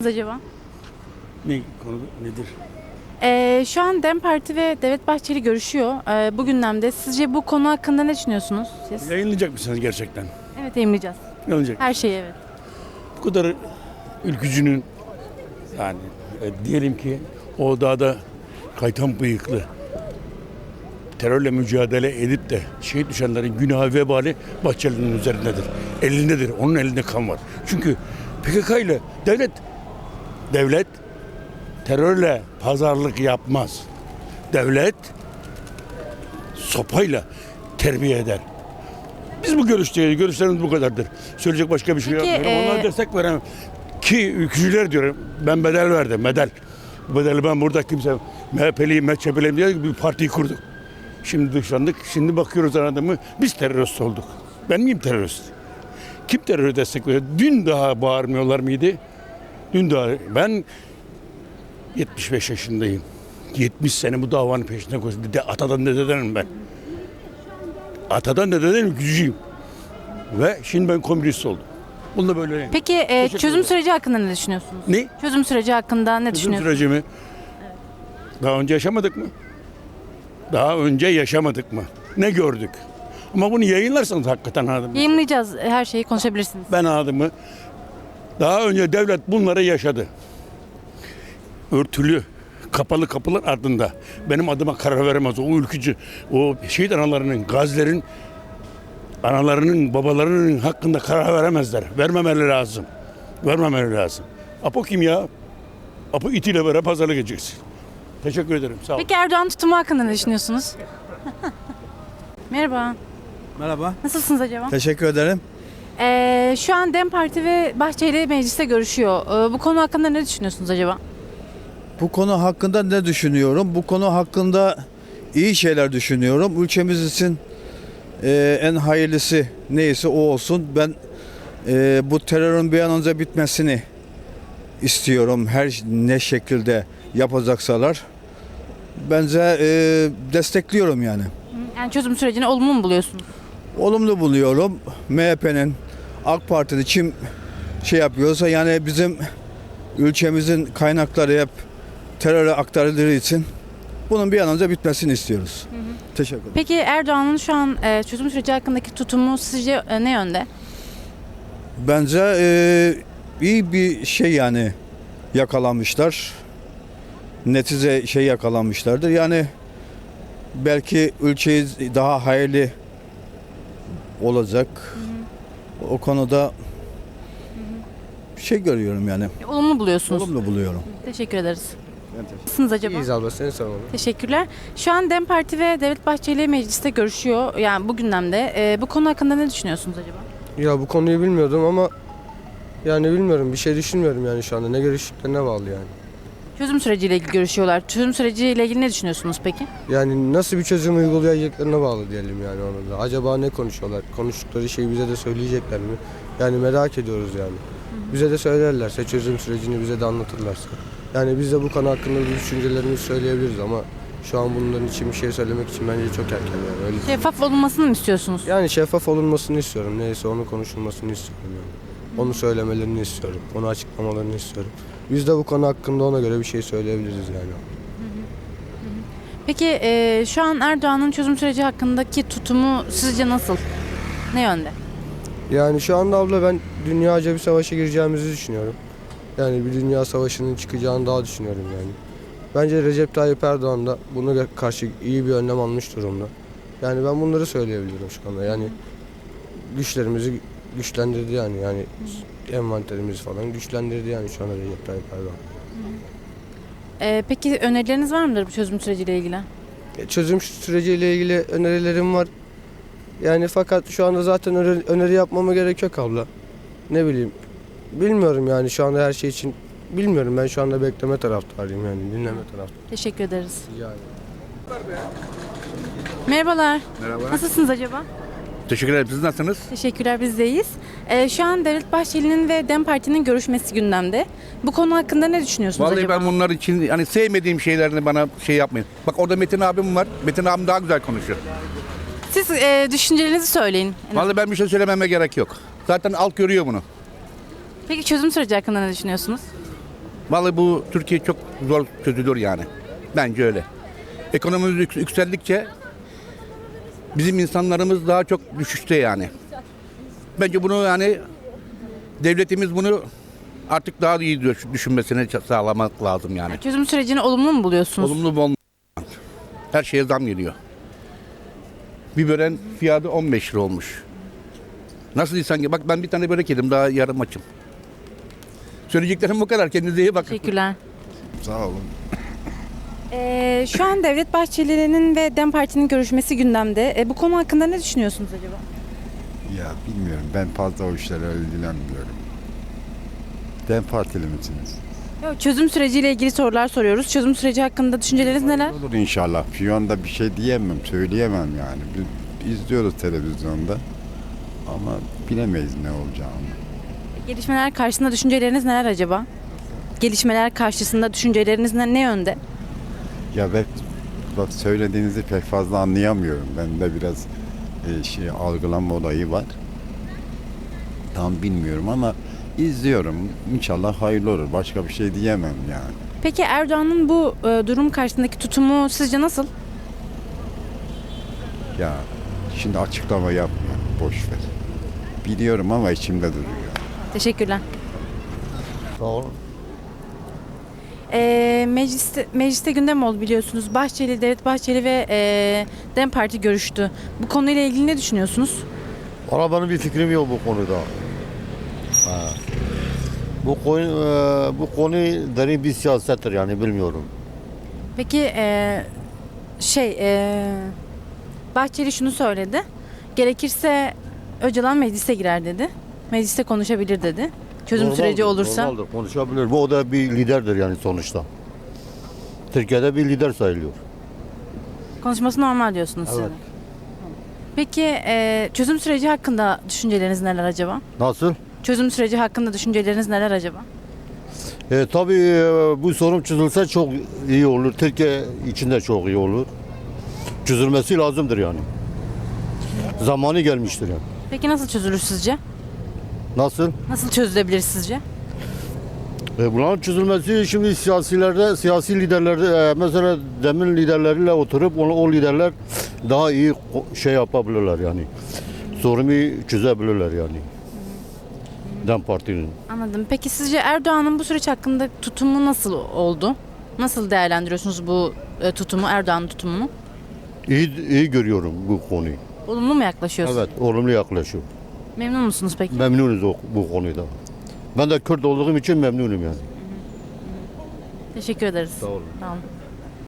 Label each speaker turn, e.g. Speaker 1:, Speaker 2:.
Speaker 1: Acaba?
Speaker 2: Ne konu nedir?
Speaker 1: Şu an DEM Parti ve Devlet Bahçeli görüşüyor bu gündemde. Sizce bu konu hakkında ne düşünüyorsunuz siz?
Speaker 2: Yayınlayacak mısınız gerçekten?
Speaker 1: Evet, yayınlayacağız.
Speaker 2: Yayınlayacak.
Speaker 1: Her şeyi evet.
Speaker 2: Bu kadar ülkücünün yani diyelim ki o dağda kaytan bıyıklı terörle mücadele edip de şehit düşenlerin günahı vebali Bahçeli'nin üzerindedir. Elindedir. Onun elinde kan var. Çünkü PKK ile devlet terörle pazarlık yapmaz. Devlet sopayla terbiye eder. Biz bu görüşteyiz. Görüşlerimiz bu kadardır. Söyleyecek başka bir şey yok.
Speaker 1: Peki,
Speaker 2: Onlar destek veremem. Ki ülkücüler diyorum. Ben bedel verdim. Bedel. Bu bedeli ben burada kimse MHP'liyim, MHP'liyim diye bir partiyi kurduk. Şimdi dışlandık. Şimdi bakıyoruz anladın biz terörist olduk. Ben miyim terörist? Kim terörü destekliyor? Dün daha bağırmıyorlar mıydı? Dün daha. Ben 75 yaşındayım. 70 sene bu davanın peşinde koştum. Atadan dededenim ben. Atadan dededen ülkücüyüm. Ve şimdi ben komünist oldum. Bunda böyle.
Speaker 1: Peki çözüm
Speaker 2: ederim.
Speaker 1: süreci hakkında ne düşünüyorsunuz?
Speaker 2: Ne?
Speaker 1: Çözüm süreci hakkında ne
Speaker 2: Çözüm
Speaker 1: düşünüyorsunuz?
Speaker 2: süreci mi? Daha önce yaşamadık mı? Daha önce yaşamadık mı? Ne gördük? Ama bunu yayınlarsanız hakikaten anladım.
Speaker 1: Yayınlayacağız. Her şeyi konuşabilirsiniz.
Speaker 2: Ben adımı daha önce devlet bunları yaşadı. Örtülü, kapalı kapılar ardında. Benim adıma karar veremez. O ülkücü, o şehit analarının, gazilerin, analarının, babalarının hakkında karar veremezler. Vermemeleri lazım. Vermemeleri lazım. Apo kim ya? Apo itiyle beraber pazarlık edeceksin. Teşekkür ederim. Sağ olun.
Speaker 1: Peki Erdoğan tutumu hakkında ne düşünüyorsunuz? Merhaba.
Speaker 3: Merhaba.
Speaker 1: Nasılsınız acaba?
Speaker 3: Teşekkür ederim.
Speaker 1: Şu an DEM Parti ve Bahçeli mecliste görüşüyor. Bu konu hakkında ne düşünüyorsunuz acaba?
Speaker 3: Bu konu hakkında ne düşünüyorum? Bu konu hakkında iyi şeyler düşünüyorum. Ülkemiz için en hayırlısı neyse o olsun. Ben bu terörün bir an önce bitmesini istiyorum. Her ne şekilde yapacaksalar. Bence destekliyorum yani.
Speaker 1: Yani çözüm sürecini olumlu mu buluyorsunuz?
Speaker 3: Olumlu buluyorum. MHP'nin, AK Parti'nin kim şey yapıyorsa yani bizim ülkemizin kaynakları hep teröre aktarıldığı için bunun bir an önce bitmesini istiyoruz. Teşekkür ederim.
Speaker 1: Peki Erdoğan'ın şu an çözüm süreci hakkındaki tutumu sizce ne yönde?
Speaker 3: Bence iyi bir şey yani yakalamışlar. Netice şey yakalamışlardır. Yani belki ülkeyi daha hayırlı olacak. O konuda şey görüyorum yani.
Speaker 1: Olumlu buluyorsunuz.
Speaker 3: Olumlu buluyorum.
Speaker 1: Teşekkür ederiz. Nasılsınız acaba?
Speaker 4: İyiyiz abla, seni sormalı.
Speaker 1: Teşekkürler. Şu an DEM Parti ve Devlet Bahçeli mecliste görüşüyor. Yani bu gündemde. Bu konu hakkında ne düşünüyorsunuz acaba?
Speaker 4: Ya bu konuyu bilmiyordum ama yani bilmiyorum, bir şey düşünmüyorum yani şu anda. Ne görüştüklerine bağlı yani.
Speaker 1: Çözüm süreciyle ilgili görüşüyorlar. Çözüm süreciyle ilgili ne düşünüyorsunuz peki?
Speaker 4: Yani nasıl bir çözüm uygulayacaklarına bağlı diyelim yani onu da. Acaba ne konuşuyorlar? Konuştukları şeyi bize de söyleyecekler mi? Yani merak ediyoruz yani. Bize de söylerlerse, çözüm sürecini bize de anlatırlarsa. Yani biz de bu konu hakkında bir düşüncelerimizi söyleyebiliriz ama şu an bunların için bir şey söylemek için bence çok erken yani. Öyle
Speaker 1: Şeffaf olunmasını mı istiyorsunuz?
Speaker 4: Yani şeffaf olunmasını istiyorum. Neyse onu konuşulmasını istiyorum yani. Onu söylemelerini istiyorum. Onu açıklamalarını istiyorum. Biz de bu konu hakkında ona göre bir şey söyleyebiliriz yani.
Speaker 1: Peki şu an Erdoğan'ın çözüm süreci hakkındaki tutumu sizce nasıl? Ne yönde?
Speaker 4: Yani şu anda abla ben dünyaca bir savaşa gireceğimizi düşünüyorum. Yani bir dünya savaşının çıkacağını daha düşünüyorum yani. Bence Recep Tayyip Erdoğan da buna karşı iyi bir önlem almış durumda. Yani ben bunları söyleyebilirim şu anda. Yani güçlerimizi güçlendirdi yani envanterimizi falan güçlendirdi yani şu anda Recep Tayyip Erdoğan.
Speaker 1: Peki önerileriniz var mıdır bu çözüm süreciyle ilgili?
Speaker 4: Çözüm süreciyle ilgili önerilerim var. Yani fakat şu anda zaten öneri yapmama gerek yok abla. Ne bileyim. Bilmiyorum yani şu anda her şey için. Bilmiyorum, ben şu anda bekleme taraftarıyım yani dinleme taraftarıyım.
Speaker 1: Teşekkür ederiz.
Speaker 4: Rica ederim.
Speaker 1: Merhabalar.
Speaker 5: Merhaba.
Speaker 1: Nasılsınız acaba?
Speaker 5: Teşekkür ederim. Siz nasılsınız?
Speaker 1: Teşekkürler, biz de iyiyiz. Şu an Devlet Bahçeli'nin ve DEM Parti'nin görüşmesi gündemde. Bu konu hakkında ne düşünüyorsunuz
Speaker 5: Vallahi
Speaker 1: acaba?
Speaker 5: ben bunlar için hani sevmediğim şeylerini bana şey yapmayın. Bak orada Metin abim var. Metin abim daha güzel konuşuyor.
Speaker 1: Siz düşüncelerinizi söyleyin.
Speaker 5: Vallahi ben bir şey söylememe gerek yok. Zaten halk görüyor bunu.
Speaker 1: Peki çözüm süreci hakkında ne düşünüyorsunuz?
Speaker 5: Vallahi bu Türkiye çok zor çözülür yani. Bence öyle. Ekonomimiz yükseldikçe bizim insanlarımız daha çok düşüşte yani. Bence bunu yani devletimiz bunu artık daha iyi düşünmesini sağlamak lazım yani.
Speaker 1: Çözüm sürecini olumlu mu buluyorsunuz?
Speaker 5: Olumlu mu olumlu. Her şeye zam geliyor. Biberin fiyatı 15 lira olmuş. Nasıl insan? Bak ben bir tane börek yedim, daha yarım açım. Söyleyeceklerim bu kadar. Kendinize iyi bakın.
Speaker 1: Teşekkürler.
Speaker 6: Sağ olun.
Speaker 1: Şu an Devlet Bahçeli'nin ve DEM Parti'nin görüşmesi gündemde. Bu konu hakkında ne düşünüyorsunuz acaba?
Speaker 6: Ya bilmiyorum. Ben fazla o işlerle ilgilenmiyorum. DEM Partili misiniz?
Speaker 1: Yok, çözüm süreciyle ilgili sorular soruyoruz. Çözüm süreci hakkında düşünceleriniz neler?
Speaker 6: Olur inşallah. Şu anda bir şey diyemem, söyleyemem yani. Biz izliyoruz televizyonda. Ama bilemeyiz ne olacağını.
Speaker 1: Gelişmeler karşısında düşünceleriniz neler acaba? Gelişmeler karşısında düşünceleriniz ne yönde?
Speaker 6: Ya ben bak söylediğinizi pek fazla anlayamıyorum. Bende biraz algılanma olayı var. Tam bilmiyorum ama izliyorum. İnşallah hayırlı olur. Başka bir şey diyemem yani.
Speaker 1: Peki Erdoğan'ın bu durum karşısındaki tutumu sizce nasıl?
Speaker 6: Ya şimdi açıklama yapmayalım. Boş ver. Biliyorum ama içimde duruyor.
Speaker 1: Teşekkürler.
Speaker 7: Sağ olun.
Speaker 1: Mecliste gündem oldu biliyorsunuz. Devlet Bahçeli ve DEM Parti görüştü. Bu konuyla ilgili ne düşünüyorsunuz?
Speaker 7: Valla benim bir fikrim yok bu konuda. Ha. Bu konu derin bir siyasettir yani bilmiyorum.
Speaker 1: Peki Bahçeli şunu söyledi. Gerekirse Öcalan meclise girer dedi. Mecliste konuşabilir dedi. Çözüm
Speaker 7: Normaldir,
Speaker 1: süreci olursa.
Speaker 7: Normaldir, konuşabilir. Bu o da bir liderdir yani sonuçta. Türkiye'de bir lider sayılıyor.
Speaker 1: Konuşması normal diyorsunuz siz de.
Speaker 7: Evet.
Speaker 1: Peki çözüm süreci hakkında düşünceleriniz neler acaba?
Speaker 7: Nasıl?
Speaker 1: Çözüm süreci hakkında düşünceleriniz neler acaba?
Speaker 7: Tabii bu sorun çözülse çok iyi olur. Türkiye için de çok iyi olur. Çözülmesi lazımdır yani. Zamanı gelmiştir yani.
Speaker 1: Peki nasıl çözülür sizce?
Speaker 7: Nasıl?
Speaker 1: Nasıl çözülebilir sizce?
Speaker 7: Bunların çözülmesi şimdi siyasi liderlerde mesela demin liderleriyle oturup o liderler daha iyi şey yapabilirler yani. Sorunu çözebilirler yani. DEM Parti'nin.
Speaker 1: Anladım. Peki sizce Erdoğan'ın bu süreç hakkında tutumu nasıl oldu? Nasıl değerlendiriyorsunuz bu tutumu, Erdoğan'ın tutumunu?
Speaker 7: İyi görüyorum bu konuyu.
Speaker 1: Olumlu mu yaklaşıyorsunuz?
Speaker 7: Evet, olumlu yaklaşıyor.
Speaker 1: Memnun musunuz peki?
Speaker 7: Memnunuz bu konuda. Ben de Kürt olduğum için memnunum yani.
Speaker 1: Teşekkür ederiz.
Speaker 7: Sağ olun.
Speaker 1: Sağ olun.